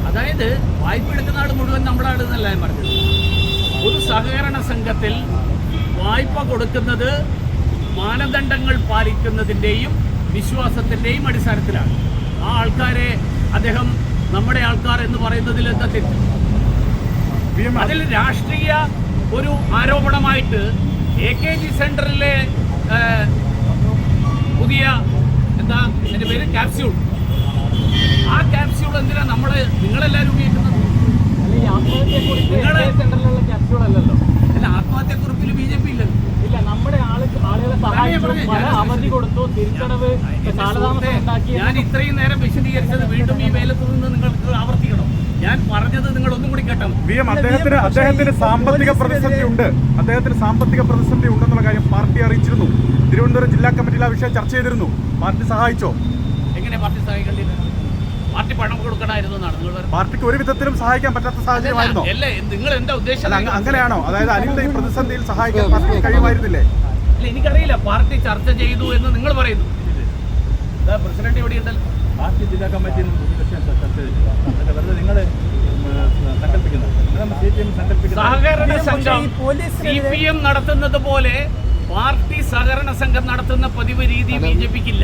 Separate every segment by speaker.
Speaker 1: അതായത് വായ്പ എടുക്കുന്ന ആൾ മുഴുവൻ നമ്മുടെ ആൾ എന്നല്ല ഞാൻ പറഞ്ഞത്. ഒരു സഹകരണ സംഘത്തിൽ വായ്പ കൊടുക്കുന്നത് മാനദണ്ഡങ്ങൾ പാലിക്കുന്നതിൻ്റെയും വിശ്വാസത്തിൻ്റെയും അടിസ്ഥാനത്തിലാണ്. ആ ആൾക്കാരെ അദ്ദേഹം നമ്മുടെ ആൾക്കാർ എന്ന് പറയുന്നതിൽ എന്താ തെറ്റ്? അതിൽ രാഷ്ട്രീയ ഒരു ആരോപണമായിട്ട് AKG സെന്ററിലെ പുതിയ എന്താ എൻ്റെ പേര് ക്യാപ്സ്യൂൾ, ആ ക്യാപ്സ്യൂൾ എന്തിനാ നിങ്ങളെല്ലാവരും ഉപയോഗിക്കുന്നത്? അല്ല, ആത്മഹത്യക്കുറിപ്പിൽ BJP ഇല്ലല്ലോ. ഞാൻ ഇത്രയും നേരം വിശദീകരിച്ചത് വീണ്ടും ഈ വേലത്ത് നിന്ന് നിങ്ങൾക്ക് ആവർത്തിക്കണം. ഞാൻ പറഞ്ഞത് നിങ്ങൾ ഒന്നും കൂടി കേട്ടോ.
Speaker 2: അദ്ദേഹത്തിന് സാമ്പത്തിക പ്രതിസന്ധി ഉണ്ട്. അദ്ദേഹത്തിന് സാമ്പത്തിക പ്രതിസന്ധി ഉണ്ടെന്നുള്ള കാര്യം പാർട്ടി അറിയിച്ചിരുന്നു. തിരുവനന്തപുരം ജില്ലാ കമ്മിറ്റിയിൽ ആ വിഷയം ചർച്ച ചെയ്തിരുന്നു. പാർട്ടി സഹായിച്ചോ?
Speaker 1: എങ്ങനെ പാർട്ടി സഹായിക്കേണ്ടത്? പാർട്ടി പണം കൊടുക്കണമായിരുന്നു എന്നാണ് നിങ്ങൾ പറയുന്നത്.
Speaker 2: പാർട്ടിക്ക് ഒരു വിധത്തിലും സഹായിക്കാൻ പറ്റാത്ത സാഹചര്യമായിരുന്നോ?
Speaker 1: അല്ലേ, നിങ്ങൾ എന്താ ഉദ്ദേശം?
Speaker 2: അങ്ങനെയാണോ? അതായത് അനിലിന്റെ ഈ പ്രതിസന്ധിയിൽ സഹായിക്കാൻ പാർട്ടിക്ക് കഴിയുമായിരുന്നില്ലേ?
Speaker 1: അല്ല, എനിക്കറിയില്ല. പാർട്ടി ചർച്ച ചെയ്തു എന്ന് നിങ്ങൾ പറയുന്നു. പ്രസിഡന്റ് ഇവിടെ ഉണ്ടല്ലോ.
Speaker 3: പാർട്ടി ജില്ലാ കമ്മിറ്റിയിൽ നിങ്ങൾ
Speaker 1: സഹകരണ സംഘം CPM നടത്തുന്നത് പോലെ പാർട്ടി സഹകരണ സംഘം നടത്തുന്ന പതിവ് രീതി BJPക്കില്ല.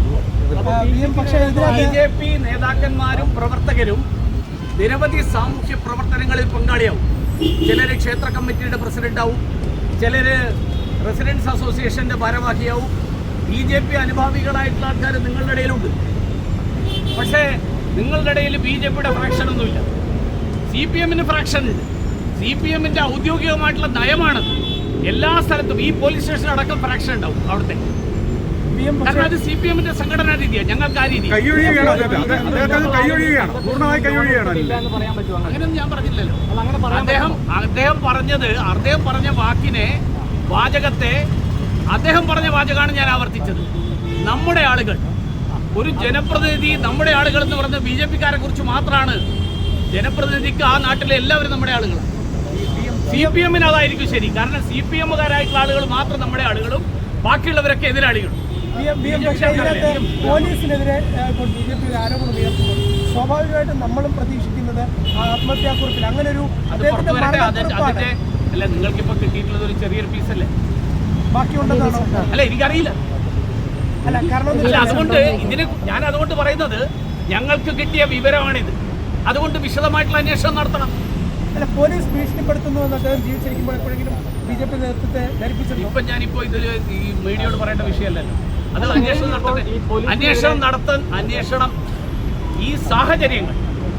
Speaker 1: BJP നേതാക്കന്മാരും പ്രവർത്തകരും നിരവധി സാമൂഹ്യ പ്രവർത്തനങ്ങളിൽ പങ്കാളിയാവും. ചിലര് ക്ഷേത്ര കമ്മിറ്റിയുടെ പ്രസിഡന്റാവും, ചിലര് റെസിഡൻസ് അസോസിയേഷന്റെ ഭാരവാഹിയാവും. BJP അനുഭാവികളായിട്ടുള്ള ആൾക്കാർ നിങ്ങളുടെ ഇടയിലുണ്ട്. പക്ഷേ നിങ്ങളുടെ ഇടയിൽ BJPയുടെ ഫ്രാക്ഷൻ ഒന്നുമില്ല. CPMന് ഫ്രാക്ഷൻ ഉണ്ട്. CPMന്റെ ഔദ്യോഗികമായിട്ടുള്ള നയമാണത്. എല്ലാ സ്ഥലത്തും ഈ പോലീസ് സ്റ്റേഷൻ അടക്കം ഫ്രാക്ഷൻ ഉണ്ടാവും അവിടുത്തെ. കാരണം അത് CPMന്റെ സംഘടനാ രീതിയാണ്. ഞങ്ങൾക്ക് ആ രീതി അങ്ങനെയൊന്നും ഞാൻ പറഞ്ഞില്ലല്ലോ. അദ്ദേഹം പറഞ്ഞ വാചകത്തെ അദ്ദേഹം പറഞ്ഞ വാചകമാണ് ഞാൻ ആവർത്തിച്ചത്. നമ്മുടെ ആളുകൾ, ഒരു ജനപ്രതിനിധി നമ്മുടെ ആളുകൾ എന്ന് പറഞ്ഞ BJPക്കാരെ കുറിച്ച് മാത്രമാണ്. ജനപ്രതിനിധിക്ക് ആ നാട്ടിലെ എല്ലാവരും നമ്മുടെ ആളുകളാണ്. CPMന് അതായിരിക്കും ശരി. കാരണം CPMകാരായിട്ടുള്ള ആളുകൾ മാത്രം നമ്മുടെ ആളുകളും ബാക്കിയുള്ളവരൊക്കെ എതിരാളികളും.
Speaker 4: പോലീസിനെതിരെ ഇപ്പോൾ BJP ഒരു ആരോപണം ഉയർത്തുമ്പോൾ സ്വാഭാവികമായിട്ടും നമ്മളും പ്രതീക്ഷിക്കുന്നത് ആത്മഹത്യാക്കുറിപ്പിൽ അങ്ങനെ ഒരു
Speaker 1: അല്ല, നിങ്ങൾക്കിപ്പോ കിട്ടിയിട്ടുള്ളത് ഒരു ചെറിയൊരു പീസല്ലേ?
Speaker 4: ബാക്കിയുണ്ടെന്നാണോ?
Speaker 1: അല്ല, എനിക്കറിയില്ല.
Speaker 4: അല്ല, കാരണം
Speaker 1: അതുകൊണ്ട് ഞാൻ അതുകൊണ്ട് പറയുന്നത് ഞങ്ങൾക്ക് കിട്ടിയ വിവരമാണിത്. അതുകൊണ്ട് വിശദമായിട്ടുള്ള അന്വേഷണം നടത്തണം.
Speaker 4: അല്ല, പോലീസ് ഭീഷണിപ്പെടുത്തുന്നു എന്ന് അദ്ദേഹം ജീവിച്ചിരിക്കുമ്പോൾ എപ്പോഴെങ്കിലും BJP നേതൃത്വത്തെ ധരിപ്പിച്ചിട്ടുണ്ട്?
Speaker 1: ഇപ്പം ഞാനിപ്പോൾ ഇതിൽ ഈ മീഡിയയോട് പറയേണ്ട വിഷയമല്ലല്ലോ. അത് അന്വേഷണം ഈ സാഹചര്യങ്ങൾ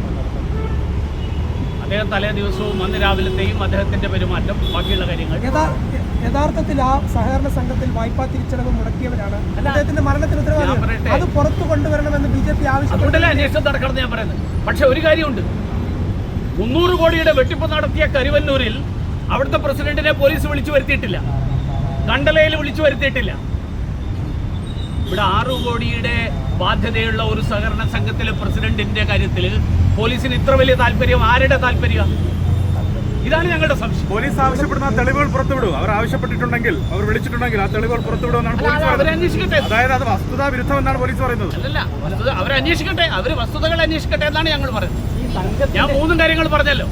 Speaker 1: അദ്ദേഹം തലേ ദിവസവും അന്ന് രാവിലത്തെയും അദ്ദേഹത്തിന്റെ പെരുമാറ്റം, ബാക്കിയുള്ള കാര്യങ്ങൾ
Speaker 4: യഥാർത്ഥത്തിൽ ആ സഹകരണ സംഘത്തിൽ വായ്പാ തിരിച്ചടവ് മുടക്കിയവരാണ്. അദ്ദേഹത്തിന്റെ മരണത്തിന് ഉത്തരവാദിത്വം അത് പുറത്തു കൊണ്ടുവരണമെന്ന് BJP
Speaker 1: ആവശ്യപ്പെട്ടല്ലേ അന്വേഷണം നടക്കണം ഞാൻ പറയുന്നത്. പക്ഷെ ഒരു കാര്യമുണ്ട്, 300 കോടിയുടെ വെട്ടിപ്പ് നടത്തിയ കരുവന്നൂരിൽ അവിടുത്തെ പ്രസിഡന്റിനെ പോലീസ് വിളിച്ചു വരുത്തിയിട്ടില്ല, കണ്ടലയിൽ വിളിച്ചു വരുത്തിയിട്ടില്ല. ഇവിടെ 6 കോടിയുടെ ബാധ്യതയുള്ള ഒരു സഹകരണ സംഘത്തിലെ പ്രസിഡന്റിന്റെ കാര്യത്തിൽ പോലീസിന് ഇത്ര വലിയ താല്പര്യം ആരുടെ താല്പര്യം? ഇതാണ് ഞങ്ങളുടെ സംശയം.
Speaker 2: പോലീസ് ആവശ്യപ്പെടുന്ന തെളിവുകൾ പുറത്തുവിടും. അവർ ആവശ്യപ്പെട്ടിട്ടുണ്ടെങ്കിൽ, അവർ വിളിച്ചിട്ടുണ്ടെങ്കിൽ ആ തെളിവുകൾ പുറത്തുവിടുമെന്നാണ് പോലീസ്
Speaker 1: അന്വേഷിക്കട്ടെ.
Speaker 2: അതായത് അത് വസ്തുതാ വിരുദ്ധമെന്നാണ് പോലീസ് പറയുന്നത്.
Speaker 1: അല്ലല്ല, അവരന്വേഷിക്കട്ടെ, അവർ വസ്തുതകൾ അന്വേഷിക്കട്ടെ എന്നാണ് ഞങ്ങൾ പറയുന്നത്. ഞാൻ 3 കാര്യങ്ങൾ പറഞ്ഞല്ലോ.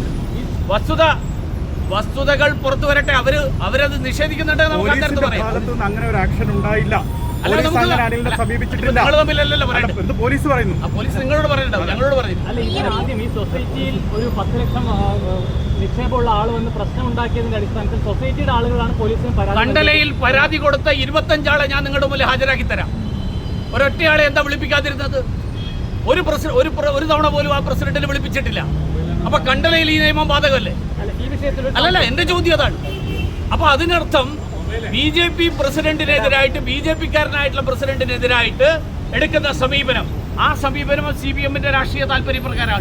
Speaker 1: വസ്തുതകൾ പുറത്തു വരട്ടെ. അവരത് നിഷേധിക്കുന്നുണ്ടെങ്കിൽ നമുക്ക് അത്തരത്തിൽ പറയാം.
Speaker 2: അങ്ങനെ ഒരു ആക്ഷൻ ഉണ്ടായില്ല. സമീപിച്ചിട്ടില്ല. പോലീസ് പറയുന്നു.
Speaker 1: പോലീസ് നിങ്ങളോട് പറയണ്ടോ? ഞങ്ങളോട് പറഞ്ഞു.
Speaker 5: അല്ല, ആദ്യം ഈ സൊസൈറ്റിയിൽ ഒരു 10 ലക്ഷം നിക്ഷേപമുള്ള ആൾ വന്ന് പ്രശ്നം ഉണ്ടാക്കിയതിന്റെ അടിസ്ഥാനത്തിൽ സൊസൈറ്റിയുടെ ആളുകളാണ് പോലീസിന് കണ്ടലയിൽ
Speaker 1: പരാതി കൊടുത്ത 25 ആളെ ഞാൻ നിങ്ങളുടെ മുന്നിൽ ഹാജരാക്കി തരാം. ഒരൊറ്റയാളെ എന്താ വിളിപ്പിക്കാതിരുന്നത്? ഒരു തവണ പോലും ആ പ്രസിഡന്റിനെ വിളിപ്പിച്ചിട്ടില്ല. അപ്പൊ കണ്ടലയിൽ ഈ നിയമം ബാധകമല്ലേ? അല്ലല്ല, എന്റെ ചോദ്യം അതാണ്. അപ്പൊ അതിനർത്ഥം BJP പ്രസിഡന്റിനെതിരായിട്ട്, BJPക്കാരനായിട്ടുള്ള പ്രസിഡന്റിനെതിരായിട്ട് എടുക്കുന്ന സമീപനം, ആ സമീപനം CPMന്റെ രാഷ്ട്രീയ താല്പര്യപ്രകാരമാണ്.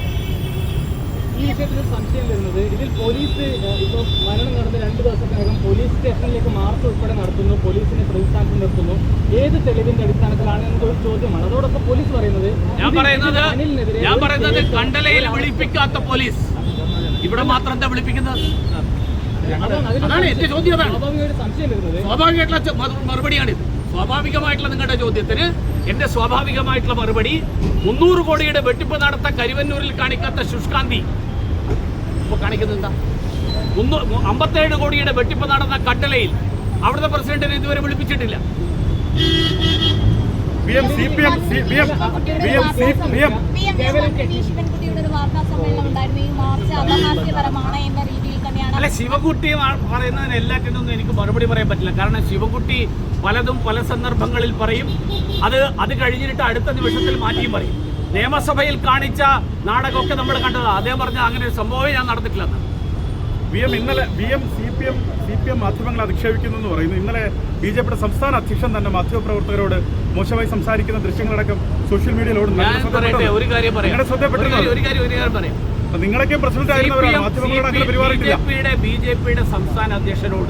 Speaker 5: ഈ വിഷയത്തിൽ സംശയം വരുന്നത്, ഇതിൽ പോലീസ് ഇപ്പോൾ മരണം നടന്ന 2 ദിവസത്തിനകം പോലീസ് സ്റ്റേഷനിലേക്ക് മാർച്ച് ഉൾപ്പെടെ നടത്തുന്നു, പോലീസിനെ പ്രതിസ്ഥാനത്ത് നിർത്തുന്നു. ഏത് തെളിവിന്റെ അടിസ്ഥാനത്തിലാണ് എന്നൊരു ചോദ്യമാണ്. അതോടൊപ്പം പോലീസ് പറയുന്നത്,
Speaker 1: ഞാൻ പറയുന്നത് കണ്ടലയിൽ വിളിപ്പിക്കാത്ത പോലീസ് ഇവിടെ മാത്രം എന്താ വിളിപ്പിക്കുന്നത്? അതാണ് എന്റെ ചോദ്യം.
Speaker 5: സ്വാഭാവികമായിട്ട് സംശയം വരുന്നത്
Speaker 1: സ്വാഭാവികമായിട്ടുള്ള മറുപടിയാണിത്. സ്വാഭാവികമായിട്ടുള്ള നിങ്ങളുടെ ചോദ്യത്തിന് എൻ്റെ സ്വാഭാവികമായിട്ടുള്ള മറുപടി 300 കോടിയുടെ വെട്ടിപ്പ് നടത്ത കരുവന്നൂരിൽ കാണിക്കാത്ത ശുഷ്കാന്തി ഇപ്പോൾ കാണിക്കുന്നത് എന്താ? 57 കോടിയുടെ വെട്ടിപ്പ് നടന്ന കട്ടലയിൽ അവിടുത്തെ പ്രസിഡന്റിനെ ഇതുവരെ വിളിപ്പിച്ചിട്ടില്ല. അല്ല, ശിവൻകുട്ടി പറയുന്നതിന് എല്ലാറ്റിനൊന്നും എനിക്ക് മറുപടി പറയാൻ പറ്റില്ല. കാരണം ശിവൻകുട്ടി പലതും പല സന്ദർഭങ്ങളിൽ പറയും. അത് കഴിഞ്ഞിട്ട് അടുത്ത നിമിഷത്തിൽ മാറ്റിയും പറയും. നിയമസഭയിൽ കാണിച്ച നാടകമൊക്കെ നമ്മൾ കണ്ടതാണ്. അദ്ദേഹം പറഞ്ഞ അങ്ങനെ ഒരു സംഭവമേ ഞാൻ നടന്നിട്ടില്ലെന്ന്.
Speaker 2: ഇന്നലെ CPM മാധ്യമങ്ങളെ അധിക്ഷേപിക്കുന്നു എന്ന് പറയുന്നു. ഇന്നലെ BJPയുടെ സംസ്ഥാന അധ്യക്ഷൻ തന്നെ മാധ്യമപ്രവർത്തകരോട് മോശമായി സംസാരിക്കുന്ന ദൃശ്യങ്ങളടക്കം സോഷ്യൽ മീഡിയയിലോട്
Speaker 1: ഒരു കാര്യം പറയാം.
Speaker 2: നിങ്ങളൊക്കെ പ്രസിഡന്റ് ആയിരുന്നവരാണ്. മാധ്യമങ്ങളോട് അങ്ങനെ പെരുമാറിയിട്ടില്ല.
Speaker 1: BJPയുടെ സംസ്ഥാന അധ്യക്ഷനോട്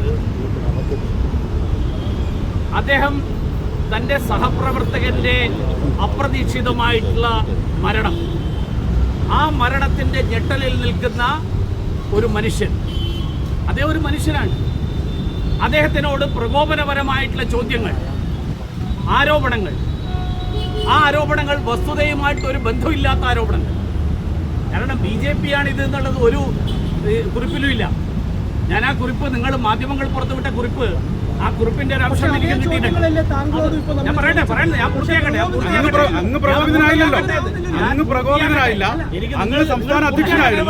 Speaker 1: അദ്ദേഹം തൻ്റെ സഹപ്രവർത്തകന്റെ അപ്രതീക്ഷിതമായിട്ടുള്ള മരണം, ആ മരണത്തിൻ്റെ ഞെട്ടലിൽ നിൽക്കുന്ന ഒരു മനുഷ്യൻ, അദ്ദേഹം ഒരു മനുഷ്യനാണ്. അദ്ദേഹത്തിനോട് പ്രകോപനപരമായിട്ടുള്ള ചോദ്യങ്ങൾ, ആരോപണങ്ങൾ, ആ ആരോപണങ്ങൾ വസ്തുതയുമായിട്ട് ഒരു ബന്ധമില്ലാത്ത ആരോപണങ്ങൾ. കാരണം BJP ആണ് ഇത് എന്നുള്ളത് ഒരു കുറിപ്പിലും ഇല്ല. ഞാൻ ആ കുറിപ്പ്, നിങ്ങൾ മാധ്യമങ്ങൾ പുറത്തുവിട്ട കുറിപ്പ്, ആ കുറിപ്പിന്റെ ഒരു അംശം എനിക്ക് കിട്ടിയിട്ടുണ്ട്. ഞാൻ പറയട്ടെ, ഞാൻ പൂർത്തിയാക്കട്ടെ.
Speaker 2: അങ്ങ് പ്രകോപിതനായില്ലല്ലോ. അങ്ങ് പ്രകോപിതനായില്ല. അങ്ങ് സംസ്ഥാന അധ്യക്ഷനായിരുന്നു.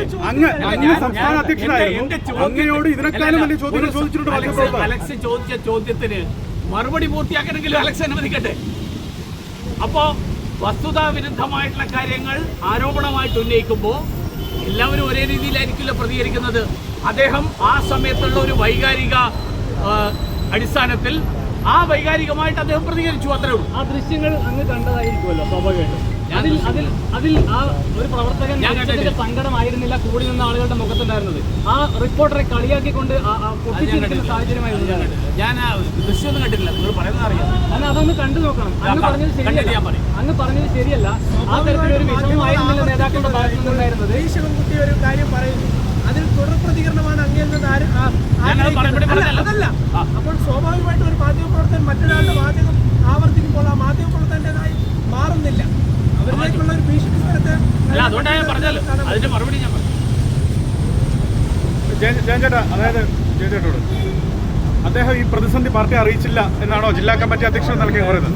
Speaker 2: അങ്ങയോട് ഇതിനേക്കാളും വലിയ ചോദ്യങ്ങൾ ചോദിച്ചിട്ടുണ്ട്.
Speaker 1: അലക്സ് ചോദിച്ച ചോദ്യത്തിന് മറുപടി പൂർത്തിയാക്കണമെങ്കിലും അലക്സ് അനുവദിക്കട്ടെ. അപ്പോ വസ്തുതാവിരുദ്ധമായിട്ടുള്ള കാര്യങ്ങൾ ആരോപണമായിട്ട് ഉന്നയിക്കുമ്പോൾ എല്ലാവരും ഒരേ രീതിയിലായിരിക്കില്ല പ്രതികരിക്കുന്നത്. അദ്ദേഹം ആ സമയത്തുള്ള ഒരു വൈകാരിക അടിസ്ഥാനത്തിൽ ആ വൈകാരികമായിട്ട് അദ്ദേഹം പ്രതികരിച്ചു, അത്രേ ഉള്ളൂ.
Speaker 5: ആ ദൃശ്യങ്ങൾ അങ്ങ് കണ്ടതായിരിക്കുമല്ലോ സ്വാഭാവികമായിട്ടും. അതിൽ ആ ഒരു പ്രവർത്തകൻ സങ്കടമായിരുന്നില്ല കൂടി നിന്ന ആളുകളുടെ മുഖത്തുണ്ടായിരുന്നത്. ആ റിപ്പോർട്ടറെ കളിയാക്കിക്കൊണ്ട് സാഹചര്യമായിരുന്നു.
Speaker 1: ഞാൻ ദൃശ്യമൊന്നും കണ്ടിട്ടില്ല. നിങ്ങൾ പറയുന്നത് അറിയാം.
Speaker 5: എന്നാൽ അതൊന്ന് കണ്ടു നോക്കണം. അങ്ങ് പറഞ്ഞത് ശരിയല്ല. ആ തരത്തിലൊരു വിഷമമായിരുന്നില്ല നേതാക്കളുടെ ഭാഗത്തു നിന്നുണ്ടായിരുന്നത്.
Speaker 4: ശിവൻകുട്ടി ഒരു കാര്യം പറയുന്നു, അതിൽ തുടർ പ്രതികരണമാണ് അങ്ങേന്നത്. അതല്ല, അപ്പോൾ സ്വാഭാവികമായിട്ടും ഒരു മാധ്യമപ്രവർത്തകൻ മറ്റൊരാളുടെ വാചകം ആവർത്തിക്കുമ്പോൾ ആ മാധ്യമപ്രവർത്തകൻ്റെതായി മാറുന്നില്ല. അവരിലേക്കുള്ള ഒരു ഭീഷണി സ്ഥലത്ത്
Speaker 1: അതുകൊണ്ടാണ് ഞാൻ പറഞ്ഞല്ലോ. അതിന്റെ മറുപടി ഞാൻ പറഞ്ഞു.
Speaker 2: ജയൻചേട്ടാ, അതായത് ജയൻചേട്ടോട് അദ്ദേഹം ഈ പ്രതിസന്ധി പാർട്ടി അറിയിച്ചില്ല എന്നാണോ ജില്ലാ കമ്മിറ്റി അധ്യക്ഷൻ നൽകി പറയുന്നത്?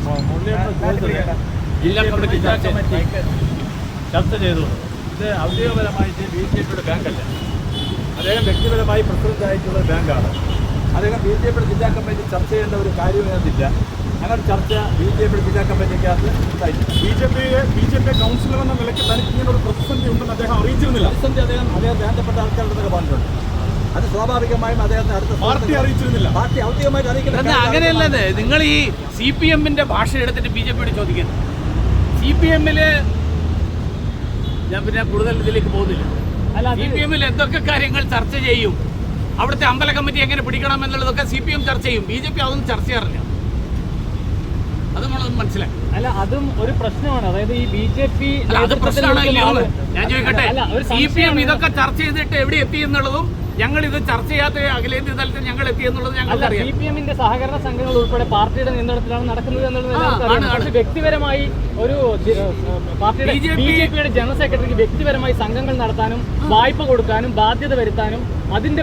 Speaker 1: ജില്ലാ കമ്മിറ്റി ചർച്ച ചെയ്തു. ഇത് ഔദ്യോഗികപരമായിട്ട് BJPയുടെ ബാങ്കല്ല. അദ്ദേഹം വ്യക്തിപരമായി പ്രസിഡന്റ് ആയിട്ടുള്ള ബാങ്കാണ്. അദ്ദേഹം BJPയുടെ ജില്ലാ കമ്മിറ്റി ചർച്ച ചെയ്യേണ്ട ഒരു കാര്യം ഇതിനകത്തില്ല. അങ്ങനെ ചർച്ച BJPയുടെ ജില്ലാ കമ്മിറ്റിക്കകത്ത് ഉണ്ടായില്ല.
Speaker 2: BJP കൗൺസിലർ എന്ന നിലയ്ക്ക് തനിക്ക് ഇങ്ങനെ ഒരു പ്രതിസന്ധി ഉണ്ടെന്ന് അദ്ദേഹം അറിയിച്ചിരുന്നില്ല.
Speaker 1: പ്രതിസന്ധി അദ്ദേഹം ബന്ധപ്പെട്ട ആൾക്കാരുടെ പറഞ്ഞിട്ടുണ്ട്. അത് സ്വാഭാവികമായും അദ്ദേഹത്തെ അടുത്ത
Speaker 2: പാർട്ടി അറിയിച്ചിരുന്നില്ല.
Speaker 1: പാർട്ടി ഔദ്യോഗികമായിട്ട് അറിയിക്കുന്നത് അങ്ങനെയല്ലത്. നിങ്ങൾ ഈ CPMന്റെ ഭാഷ എടുത്തിട്ട് BJPയോട് ചോദിക്കുന്നത്. CPMല് ഞാൻ പിന്നെ കൂടുതൽ ഇതിലേക്ക് പോകുന്നില്ല. CPMൽ എന്തൊക്കെ കാര്യങ്ങൾ ചർച്ച ചെയ്യും, അവിടുത്തെ അമ്പല കമ്മിറ്റി എങ്ങനെ പിടിക്കണം എന്നുള്ളതൊക്കെ CPM ചർച്ച ചെയ്യും. BJP അതൊന്നും ചർച്ച ചെയ്യാറില്ല. അത് നമ്മളൊന്നും മനസ്സിലാക്കി.
Speaker 5: അല്ല, അതും ഒരു പ്രശ്നമാണ്. അതായത് ഈ BJP
Speaker 1: അത് പ്രശ്നമാണല്ലോ. ഞാൻ ചോദിക്കട്ടെ, CPM ഇതൊക്കെ ചർച്ച ചെയ്തിട്ട് എവിടെ എത്തി എന്നുള്ളതും ഞങ്ങൾ ഇത് ചർച്ച ചെയ്യാത്ത അഖിലേന്ത്യാ തലത്തിൽ ഞങ്ങൾ എത്തി എന്നുള്ളത് ഞങ്ങൾക്കറിയാം.
Speaker 5: CPMന്റെ സഹകരണ സംഘങ്ങൾ ഉൾപ്പെടെ പാർട്ടിയുടെ നിയന്ത്രണത്തിലാണ് നടക്കുന്നത് എന്നുള്ളത്. വ്യക്തിപരമായി ഒരു പാർട്ടിയുടെ BJPയുടെ ജനറൽ സെക്രട്ടറിക്ക് വ്യക്തിപരമായി സംഘങ്ങൾ നടത്താനും വായ്പ കൊടുക്കാനും ബാധ്യത വരുത്താനും അതിന്റെ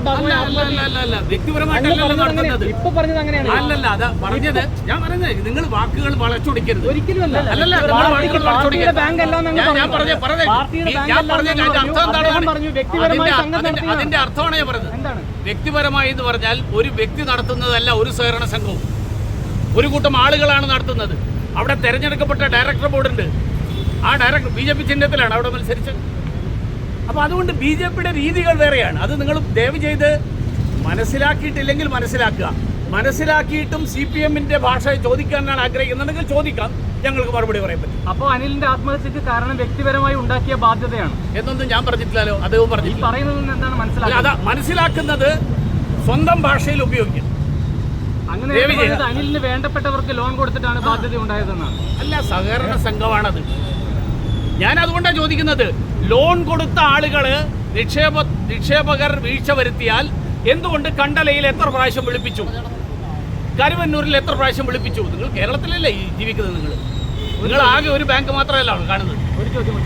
Speaker 5: ഇപ്പൊ പറഞ്ഞത് അങ്ങനെയാണ്.
Speaker 1: അല്ലല്ല, അത് പറഞ്ഞത് ഞാൻ പറയുന്നത് നിങ്ങൾ വാക്കുകൾ വളച്ചൊടിക്കരുത്.
Speaker 5: ഒരിക്കലും അല്ല. ബാങ്ക് അല്ല.
Speaker 1: അതിന്റെ അർത്ഥമാണ് ഞാൻ പറഞ്ഞത്. വ്യക്തിപരമായി എന്ന് പറഞ്ഞാൽ ഒരു വ്യക്തി നടത്തുന്നതല്ല ഒരു സഹകരണ സംഘവും. ഒരു കൂട്ടം ആളുകളാണ് നടത്തുന്നത്. അവിടെ തെരഞ്ഞെടുക്കപ്പെട്ട ഡയറക്ടർ ബോർഡുണ്ട്. ആ ഡയറക്ടർ BJP ചിഹ്നത്തിലാണ് അവിടെ മത്സരിച്ചത്. അപ്പോൾ അതുകൊണ്ട് BJPയുടെ രീതികൾ വേറെയാണ്. അത് നിങ്ങൾ ദയവ് ചെയ്ത് മനസ്സിലാക്കിയിട്ടില്ലെങ്കിൽ മനസ്സിലാക്കിയിട്ടും CPMന്റെ ഭാഷ ചോദിക്കാനാണ് ആഗ്രഹിക്കുന്നുണ്ടെങ്കിൽ ചോദിക്കാം, ഞങ്ങൾക്ക് മറുപടി പറയാൻ പറ്റും.
Speaker 5: അപ്പോൾ അനിലിന്റെ ആത്മഹത്യക്ക് കാരണം വ്യക്തിപരമായി ഉണ്ടാക്കിയ ബാധ്യതയാണ്
Speaker 1: എന്നൊന്നും ഞാൻ പറഞ്ഞിട്ടില്ലല്ലോ. അദ്ദേഹം പറഞ്ഞില്ല.
Speaker 5: പറയുന്നത് എന്താണ്
Speaker 1: മനസ്സിലാക്കുന്നത് സ്വന്തം ഭാഷയിൽ ഉപയോഗിക്കും.
Speaker 5: അങ്ങനെ അനിലിന് വേണ്ടപ്പെട്ടവർക്ക് ലോൺ കൊടുത്തിട്ടാണ് ബാധ്യത ഉണ്ടായതെന്നാണ്.
Speaker 1: അല്ല, സഹകരണ സംഘമാണത്. ഞാൻ അതുകൊണ്ടാണ് ചോദിക്കുന്നത്. ലോൺ കൊടുത്ത ആളുകള് നിക്ഷേപകർ വീഴ്ച വരുത്തിയാൽ എന്തുകൊണ്ട് കണ്ടലയിൽ എത്ര പ്രാവശ്യം വിളിപ്പിച്ചു? കരുവന്നൂരിൽ എത്ര പ്രാവശ്യം വിളിപ്പിച്ചു? നിങ്ങൾ കേരളത്തിലല്ലേ ഈ ജീവിക്കുന്നത്? നിങ്ങൾ ആകെ ഒരു ബാങ്ക് മാത്രമല്ല കാണുന്നത്.
Speaker 5: ഒരു ചോദ്യം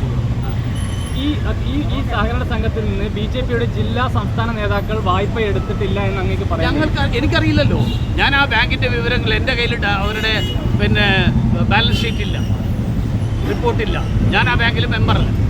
Speaker 5: ഈ സഹകരണ സംഘത്തിൽ നിന്ന് BJPയുടെ ജില്ലാ സംസ്ഥാന നേതാക്കൾ വായ്പ എടുത്തിട്ടില്ല എന്ന് അങ്ങേക്ക് പറയാം?
Speaker 1: എനിക്കറിയില്ലല്ലോ. ഞാൻ ആ ബാങ്കിന്റെ വിവരങ്ങൾ എൻ്റെ കയ്യിൽ അവരുടെ ബാലൻസ് ഷീറ്റ് ഇല്ല, റിപ്പോർട്ടില്ല. ഞാൻ ആ ബാങ്കിൽ മെമ്പറല്ല.